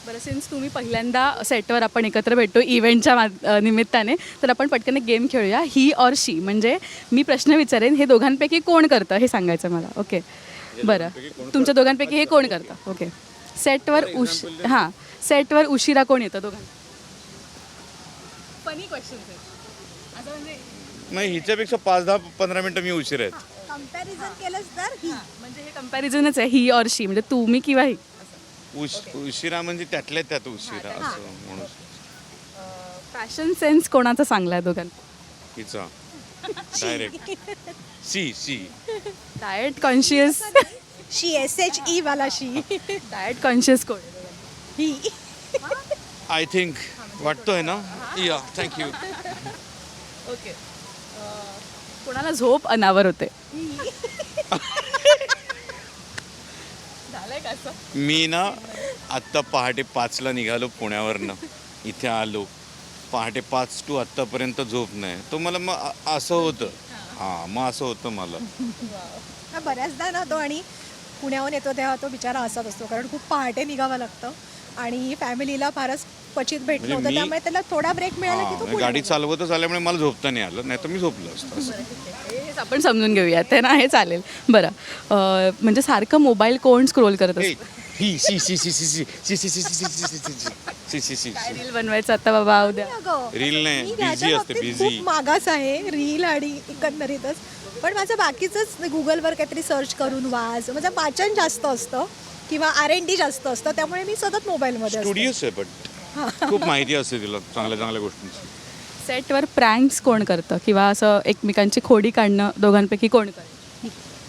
बरं, सिन्स तुम्ही पहिल्यांदा सेटवर आपण एकत्र भेटतो इव्हेंटच्या निमित्ताने, तर आपण पटकन एक गेम खेळूया. ही ऑर शी, म्हणजे मी प्रश्न विचारेन, हे दोघांपैकी कोण करतं हे सांगायचं मला. ओके, बरं. तुमच्या दोघांपैकी हे कोण करतं? ओके. सेटवर हां, सेटवर उशिरा कोण येतं दोघांना? फनी क्वेश्चन आहे असं, म्हणजे नाही, हिच्यापेक्षा 5-10-15 मिनटं मी उशीर आहेत. कंपॅरिझन केलंच तर ही म्हणजे हे कंपॅरिझनच आहे, ही ऑर शी, म्हणजे तुम्ही किंवा ही. उशिरा म्हणजे त्यातल्या त्यात उशिरा असं म्हणून. फॅशन सेन्स कोणाचा चांगला आहे दोघांना? हिचा direct see diet conscious, she SHE वाला शी डाएट कॉन्शियस कोण आहे दोघांना? ही आय थिंक वाटतोय ना. या थँक्यू. ओके. कोणाला झोप अनावर होते? झालंय का असं? मी ना आत्ता पहाटे 5ला निघालो पुण्यावरनं, इथे आलो पहाटे 5 to आत्तापर्यंत झोप नाही. तो मला मग असं होतं. हां, मग असं होतं मला. बऱ्याचदा ना तो, आणि पुण्याहून येतो तेव्हा तो बिचारा असाच असतो, कारण खूप पहाटे निघावं लागतं आणि फॅमिलीला फारच क्वचित भेटलं म्हणजे होतं, त्यामुळे त्याला थोडा ब्रेक मिळाला की तो हां, गाडी चालवतच आल्यामुळे मला झोपता नाही आलं, नाही तर मी झोपलो असतो असं. हेच आपण समजून घेऊया ते ना, हे चालेल. बरं, म्हणजे सारखं मोबाईल कोण स्क्रोल करत हे, असतं? ही सी सी सी सी सी सी सी सी सी सी सी सी सी काय रील बनवायचं आता बाबा उद्या? रील नाही, मी बिझी त्याच्या असते, बाबतीत बिझी. खूप मागास आहे रील आणि एकंदरीतच. पण माझं बाकीचंच गुगलवर काहीतरी सर्च करून माझं वाचन जास्त असतं किंवा R&D जास्त असतं, त्यामुळे मी सतत मोबाईलमध्ये असते. स्टुडिओस आहे, बट खूप माहिती असते तिला चांगल्या चांगल्या गोष्टींची. सेटवर प्रँक्स कोण करतं, किंवा असं एकमेकांची खोडी काढणं दोघांपैकी कोण करतं?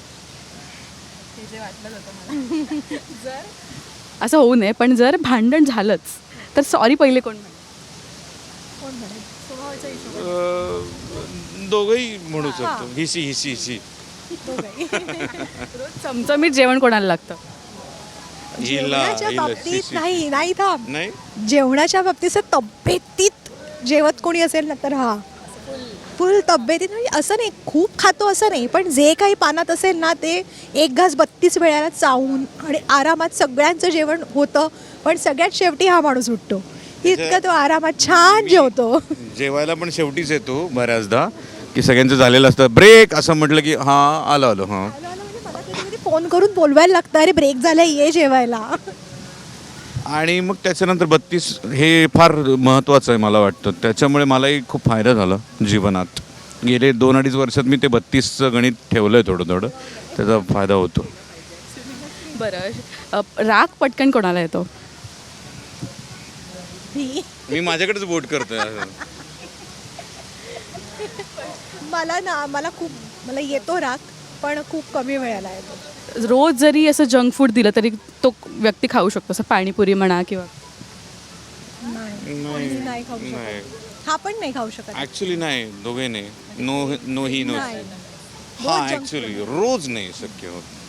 हे जे वाटलं होतं मला. जर असं होऊ नये, पण जर भांडण झालंच तर सॉरी पहिले कोण म्हणेल? कोण म्हणेल? स्वभावाच्या हिशोबाने. दोघंही म्हणू शकतो. हिसी हिसी हिसी. दोघंही. रोज चमचमीत जेवण कोणाला लागतं? जेवणाच्या बाबतीत नाही थांब. नाही, जेवणाच्या बाबतीत तब्येतीत जेवत कोणी असेल ना, तर हा फुल तब्येतीत, म्हणजे असं नाही खूप खातो असं नाही, पण जे काही पानात असेल ना ते एक घास 32 वेळाला चावून आणि आरामात सगळ्यांचं जेवण होतं, पण सगळ्यात शेवटी हा माणूस उठतो. इतका तो आरामात छान जेवतो. जेवायला पण शेवटीच येतो बऱ्याचदा, की सगळ्यांचं झालेलं असतं ब्रेक असं म्हटलं की हां आलो हां. म्हणजे मला कधी फोन करून बोलवायला लागतं, अरे ब्रेक झाला ये जेवायला. आणि मग त्याच्यानंतर 32 हे फार महत्त्वाचं आहे मला वाटतं. त्याच्यामुळे मलाही खूप फायदा झाला जीवनात. गेले 2-2.5 वर्षात मी ते 32चं गणित ठेवलं आहे थोडं थोडं, त्याचा फायदा होतो. बरं, राग पटकन कोणाला येतो? मी माझ्याकडेच बोट करतोय असं. मला येतो राग, पण खूप कमी वेळाला येतो. रोज जरी असं जंक फूड दिलं तरी तो व्यक्ती खाऊ शकतो, असं पाणीपुरी म्हणा किंवा नाही खाऊ नाही, शकत. हा पण नाही खाऊ शकत. ॲक्च्युली नाही, दोघे नाही. नो नो ही नो. नाही. हां, ॲक्च्युली रोज नाही शक्य होत.